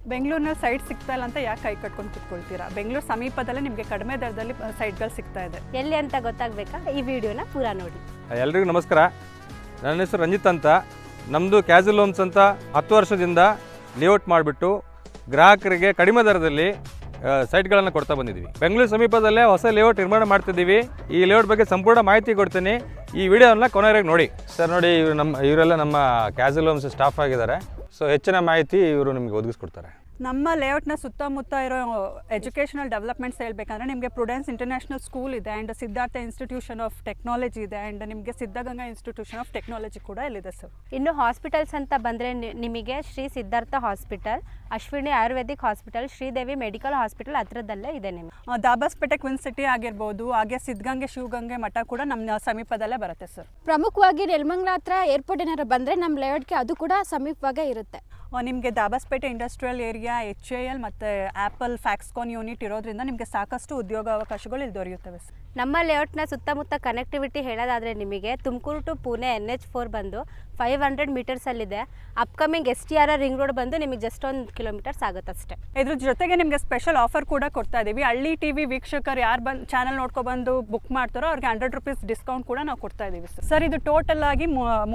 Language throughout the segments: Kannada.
ಬೆಂಗಳೂರಿನಲ್ಲಿ ಸೈಟ್ ಸಿಗ್ತಾ ಇಲ್ಲ ಅಂತ ಯಾಕೆ ಕೈ ಕಟ್ಕೊಂಡು ಕೂತ್ಕೊಳ್ತೀರಾ? ಬೆಂಗಳೂರು ಸಮೀಪದಲ್ಲೇ ನಿಮಗೆ ಕಡಿಮೆ ದರದಲ್ಲಿ ಸೈಟ್ಗಳು ಸಿಗ್ತಾ ಇದೆ. ಎಲ್ಲಿ ಅಂತ ಗೊತ್ತಾಗಬೇಕಾ? ಈ ವಿಡಿಯೋನ ಪೂರ ನೋಡಿ. ಎಲ್ರಿಗೂ ನಮಸ್ಕಾರ. ನನ್ನ ಹೆಸರು ರಂಜಿತ್ ಅಂತ. ನಮ್ಮದು ಕ್ಯಾಜುವಲ್ ಹೋಮ್ಸ್ ಅಂತ 10 ವರ್ಷದಿಂದ ಲೇಔಟ್ ಮಾಡಿಬಿಟ್ಟು ಗ್ರಾಹಕರಿಗೆ ಕಡಿಮೆ ದರದಲ್ಲಿ ಸೈಟ್ಗಳನ್ನು ಕೊಡ್ತಾ ಬಂದಿದ್ದೀವಿ. ಬೆಂಗಳೂರು ಸಮೀಪದಲ್ಲೇ ಹೊಸ ಲೇಔಟ್ ನಿರ್ಮಾಣ ಮಾಡ್ತಿದ್ದೀವಿ. ಈ ಲೇಔಟ್ ಬಗ್ಗೆ ಸಂಪೂರ್ಣ ಮಾಹಿತಿ ಕೊಡ್ತೀನಿ. ಈ ವಿಡಿಯೋನ ಕೊನೆವರೆಗೆ ನೋಡಿ. ಸರ್ ನೋಡಿ, ಇವರೆಲ್ಲ ನಮ್ಮ ಕ್ಯಾಜುವಲ್ ಹೋಮ್ಸ್ ಸ್ಟಾಫ್ ಆಗಿದ್ದಾರೆ. ಸೊ ಹೆಚ್ಚಿನ ಮಾಹಿತಿ ಇವರು ನಿಮಗೆ ಒದಗಿಸ್ಕೊಡ್ತಾರೆ. ನಮ್ಮ ಲೇಔಟ್ನ ಸುತ್ತಮುತ್ತ ಇರೋ ಎಜುಕೇಷನಲ್ ಡೆವಲಪ್ಮೆಂಟ್ಸ್ ಹೇಳ್ಬೇಕಂದ್ರೆ ನಿಮಗೆ ಪ್ರುಡೆನ್ಸ್ ಇಂಟರ್ನ್ಯಾಷನಲ್ ಸ್ಕೂಲ್ ಇದೆ, and Siddhartha institution of technology ಇದೆ, ಆ್ಯಂಡ್ ನಿಮಗೆ ಸಿದ್ಧಗಂಗಾ ಇನ್ಸ್ಟಿಟ್ಯೂಷನ್ ಆಫ್ ಟೆಕ್ನಾಲಜಿ ಕೂಡ ಇಲ್ಲಿದೆ ಸರ್. ಇನ್ನು ಹಾಸ್ಪಿಟಲ್ಸ್ ಅಂತ ಬಂದರೆ ನಿಮಗೆ Shri Siddhartha hospital, Ashwini Ayurvedic hospital, Sridevi medical hospital ಹತ್ರದಲ್ಲೇ ಇದೆ. ನಿಮಗೆ ದಾಬಾಸ್ಪೇಟೆ ಕ್ವಿನ್ ಸಿಟಿ ಆಗಿರ್ಬೋದು, ಹಾಗೆ ಸಿದ್ಧಗಂಗೆ ಶಿವಗಂಗೆ ಮಠ ಕೂಡ ನಮ್ಮ ಸಮೀಪದಲ್ಲೇ ಬರುತ್ತೆ ಸರ್. ಪ್ರಮುಖವಾಗಿ ನೆಲಮಂಗಲ ಹತ್ರ ಏರ್ಪೋರ್ಟ್ ಏನಾರು ಬಂದರೆ ನಮ್ಮ ಲೇಔಟ್ಗೆ ಅದು ಕೂಡ ಸಮೀಪವಾಗೇ ಇರುತ್ತೆ. ನಿಮಗೆ ದಾಬಾಸ್ಪೇಟೆ ಇಂಡಸ್ಟ್ರಿಯಲ್ ಏರಿಯಾ, HAL ಮತ್ತು ಆ್ಯಪಲ್ ಫ್ಯಾಕ್ಸ್ಕಾನ್ ಯೂನಿಟ್ ಇರೋದ್ರಿಂದ ನಿಮಗೆ ಸಾಕಷ್ಟು ಉದ್ಯೋಗಾವಕಾಶಗಳು ಇಲ್ಲಿ ದೊರೆಯುತ್ತವೆ ಸರ್. ನಮ್ಮ ಲೇಔಟ್ನ ಸುತ್ತಮುತ್ತ ಕನೆಕ್ಟಿವಿಟಿ ಹೇಳೋದಾದರೆ ನಿಮಗೆ ತುಮಕೂರು ಟು ಪುಣೆ NH4 ಬಂದು 500 ಮೀಟರ್ಸಲ್ಲಿದೆ. ಅಪ್ಕಮಿಂಗ್ STR ರಿಂಗ್ ರೋಡ್ ಬಂದು ನಿಮಗೆ ಜಸ್ಟ್ 1 ಕಿಲೋಮೀಟರ್ಸ್ ಆಗುತ್ತೆ ಅಷ್ಟೇ. ಇದ್ರ ಜೊತೆಗೆ ನಿಮಗೆ ಸ್ಪೆಷಲ್ ಆಫರ್ ಕೂಡ ಕೊಡ್ತಾ ಇದ್ದೀವಿ. ಹಳ್ಳಿ TV ವೀಕ್ಷಕರು ಯಾರು ಚಾನಲ್ ನೋಡ್ಕೊಬಂದು ಬುಕ್ ಮಾಡ್ತಾರೋ ಅವ್ರಿಗೆ 100 ರೂಪೀಸ್ ಡಿಸ್ಕೌಂಟ್ ಕೂಡ ನಾವು ಕೊಡ್ತಾ ಇದ್ದೀವಿ ಸರ್. ಇದು ಟೋಟಲ್ ಆಗಿ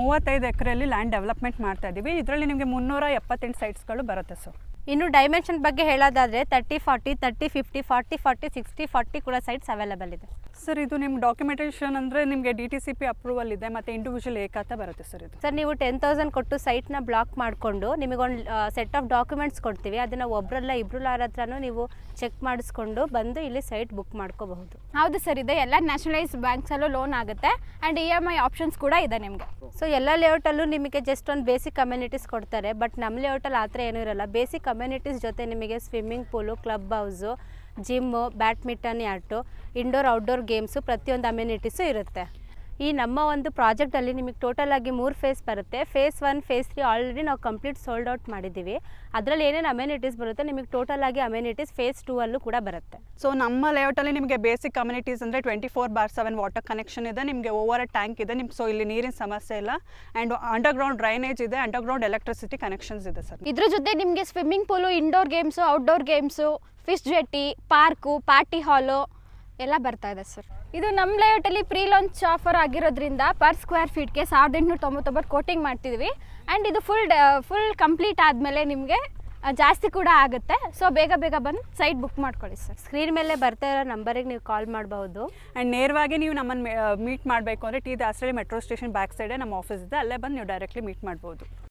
35 ಎಕರೆಯಲ್ಲಿ ಲ್ಯಾಂಡ್ ಡೆವಲಪ್ಮೆಂಟ್ ಮಾಡ್ತಾ ಇದ್ದೀವಿ. ಇದರಲ್ಲಿ ನಿಮಗೆ 378 ಸೈಟ್ಸ್ಗಳು ಬರುತ್ತೆ ಸರ್. ಇನ್ನು ಡೈಮೆನ್ಷನ್ ಬಗ್ಗೆ ಹೇಳೋದಾದರೆ 30-40, 30-50, 40-40, 60-40 ಕೂಡ ಸೈಟ್ಸ್ ಅವೈಲೇಬಲ್ ಇದೆ ಸರ್. ಇದು ನಿಮ್ಮ ಡಾಕ್ಯುಮೆಂಟೇಷನ್ ಅಂದರೆ ನಿಮಗೆ DTCP ಅಪ್ರೂವಲ್ ಇದೆ ಮತ್ತು ಇಂಡಿವಿಜುವಲ್ ಏಕಾತ ಬರುತ್ತೆ ಸರ್. ಇದು ಸರ್ ನೀವು 10,000 ಕೊಟ್ಟು ಸೈಟ್ನ ಬ್ಲಾಕ್ ಮಾಡಿಕೊಂಡು ನಿಮಗೊಂದು ಸೆಟ್ ಆಫ್ ಡಾಕ್ಯುಮೆಂಟ್ಸ್ ಕೊಡ್ತೀವಿ. ಅದನ್ನು ಒಬ್ಬರಲ್ಲ ಇಬ್ಬರು ಹತ್ರನೂ ನೀವು ಚೆಕ್ ಮಾಡಿಸ್ಕೊಂಡು ಬಂದು ಇಲ್ಲಿ ಸೈಟ್ ಬುಕ್ ಮಾಡ್ಕೋಬಹುದು. ಹೌದು ಸರ್, ಇದೆ ಎಲ್ಲ ನ್ಯಾಷನಲೈಸ್ ಬ್ಯಾಂಕ್ಸಲ್ಲೂ ಲೋನ್ ಆಗುತ್ತೆ, ಆ್ಯಂಡ್ EMI ಆಪ್ಷನ್ಸ್ ಕೂಡ ಇದೆ ನಿಮಗೆ. ಸೊ ಎಲ್ಲ ಲೇಔಟಲ್ಲೂ ನಿಮಗೆ ಜಸ್ಟ್ ಒಂದು ಬೇಸಿಕ್ ಕಮ್ಯುನಿಟೀಸ್ ಕೊಡ್ತಾರೆ. ಬಟ್ ನಮ್ಮ ಲೇಔಟಲ್ಲಿ ಆ ಥರ ಏನೂ ಇರಲ್ಲ. ಬೇಸಿಕ್ ಕಮ್ಯುನಿಟೀಸ್ ಜೊತೆ ನಿಮಗೆ swimming pool, club house, gym, badminton ಯಾಟು, ಇಂಡೋರ್ ಔಟ್ಡೋರ್ ಗೇಮ್ಸು, ಪ್ರತಿಯೊಂದು ಅಮ್ಯುನಿಟೀಸು ಇರುತ್ತೆ. ಈ ನಮ್ಮ ಒಂದು ಪ್ರಾಜೆಕ್ಟಲ್ಲಿ ನಿಮಗೆ ಟೋಟಲ್ ಆಗಿ 3 ಫೇಸ್ ಬರುತ್ತೆ. ಫೇಸ್ 1, ಫೇಸ್ 3 ಆಲ್ರೆಡಿ ನಾವು ಕಂಪ್ಲೀಟ್ ಸೋಲ್ಡ್ ಔಟ್ ಮಾಡಿದ್ದೀವಿ. ಅದರಲ್ಲಿ ಏನೇನು ಅಮ್ಯುನಿಟೀಸ್ ಬರುತ್ತೆ ನಿಮಗೆ ಟೋಟಲ್ ಆಗಿ ಅಮ್ಯುನಿಟೀಸ್ ಫೇಸ್ 2 ಅಲ್ಲೂ ಕೂಡ ಬರುತ್ತೆ. ಸೊ ನಮ್ಮ ಲೇಔಟಲ್ಲಿ ನಿಮಗೆ ಬೇಸಿಕ್ ಕಮ್ಯುನಿಟೀಸ್ ಅಂದರೆ 24/7 ವಾಟರ್ ಕನೆಕ್ಷನ್ ಇದೆ, ನಿಮಗೆ ಓವರ್ ಟ್ಯಾಂಕ್ ಇದೆ ನಿಮ್ಗೆ. ಸೊ ಇಲ್ಲಿ ನೀರಿನ ಸಮಸ್ಯೆ ಇಲ್ಲ, ಆ್ಯಂಡ್ ಅಂಡರ್ಗ್ರೌಂಡ್ ಡ್ರೈನೇಜ್ ಇದೆ, ಅಂಡರ್ಗ್ರೌಂಡ್ ಎಲೆಕ್ಟ್ರಿಸಿಟಿ ಕನೆಕ್ಷನ್ಸ್ ಇದೆ ಸರ್. ಇದ್ರ ಜೊತೆ ನಿಮಗೆ swimming pool, indoor games, outdoor games, fish jetty, park, party hall ಎಲ್ಲ ಬರ್ತಾ ಇದೆ ಸರ್. ಇದು ನಮ್ಮ ಲೇಔಟಲ್ಲಿ ಪ್ರೀ ಲಾಂಚ್ ಆಫರ್ ಆಗಿರೋದ್ರಿಂದ ಪರ್ ಸ್ಕ್ವೇರ್ ಫೀಟ್ಗೆ 1899 ಕೋಟಿಂಗ್ ಮಾಡ್ತಿದ್ವಿ. ಆ್ಯಂಡ್ ಇದು ಫುಲ್ ಕಂಪ್ಲೀಟ್ ಆದಮೇಲೆ ನಿಮಗೆ ಜಾಸ್ತಿ ಕೂಡ ಆಗುತ್ತೆ. ಸೊ ಬೇಗ ಬಂದು ಸೈಟ್ ಬುಕ್ ಮಾಡ್ಕೊಳ್ಳಿ ಸರ್. ಸ್ಕ್ರೀನ್ ಮೇಲೆ ಬರ್ತಾ ಇರೋ ನಂಬರಿಗೆ ನೀವು ಕಾಲ್ ಮಾಡಬಹುದು. ಆ್ಯಂಡ್ ನೇರವಾಗಿ ನೀವು ನಮ್ಮನ್ನು ಮೀಟ್ ಮಾಡಬೇಕು ಅಂದರೆ T Dasarahalli metro station back ಸೈಡೇ ನಮ್ಮ ಆಫೀಸ್ ಇದೆ, ಅಲ್ಲೇ ಬಂದು ನೀವು ಡೈರೆಕ್ಟ್ಲಿ ಮೀಟ್ ಮಾಡ್ಬೋದು.